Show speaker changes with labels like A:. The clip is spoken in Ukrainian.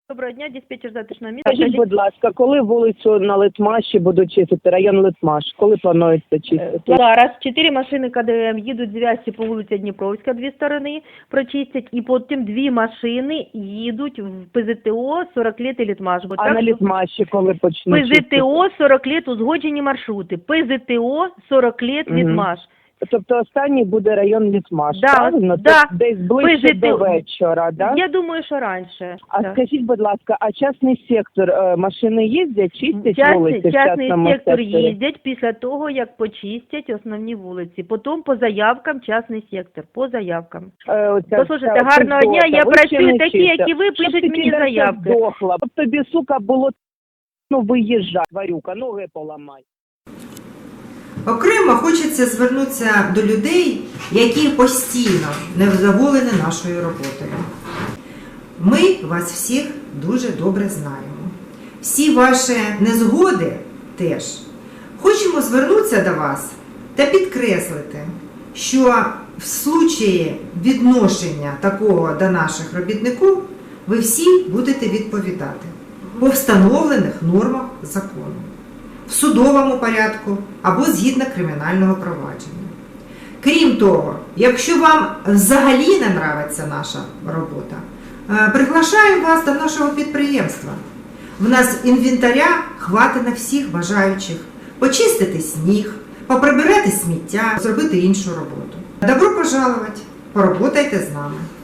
A: Доброго дня, диспетчер затишного міста.
B: Скажіть, будь ласка, коли вулицю на Литмаші будуть чистити, район Литмаш, коли планується чистити?
A: Зараз 4 машини КДМ їдуть з Вязці по вулиці Дніпровська, 2 сторони прочистять, і потім 2 машини їдуть в ПЗТО 40 лет і Литмаш. Бо
B: А
A: так,
B: на Литмаші коли почнуть чистити?
A: ПЗТО 40 лет узгоджені маршрути. ПЗТО 40 лет Литмаш.
B: Тобто останній буде район Литмаш,
A: Да,
B: правильно?
A: да.
B: Тобто десь ближче
A: ПЗТО.
B: до вечора, да?
A: Я думаю, що раніше.
B: А
A: Да.
B: скажіть, будь ласка, а частний сектор, машини їздять, чистять вулиці в
A: Частний
B: частному
A: сектор
B: секторі?
A: їздять після того, як почистять основні вулиці. Потім по заявкам частний сектор, по заявкам. Послухайте, гарного дня, я працюю такі, як і ви, пишуть мені заявки.
B: Здохла. Щоб тобі, сука, було, виїжджай, тварюка, ноги поламай.
C: Окремо хочеться звернутися до людей, які постійно невдоволені нашою роботою. Ми вас всіх дуже добре знаємо. Всі ваші незгоди теж. Хочемо звернутися до вас та підкреслити, що в случаї відношення такого до наших робітників ви всі будете відповідати по встановлених нормах закону, в судовому порядку або згідно кримінального провадження. Крім того, якщо вам взагалі не нравиться наша робота, приглашаємо вас до нашого підприємства. В нас інвентаря хватить на всіх бажаючих почистити сніг, поприбирати сміття, зробити іншу роботу. Добро пожаловать, поработайте з нами.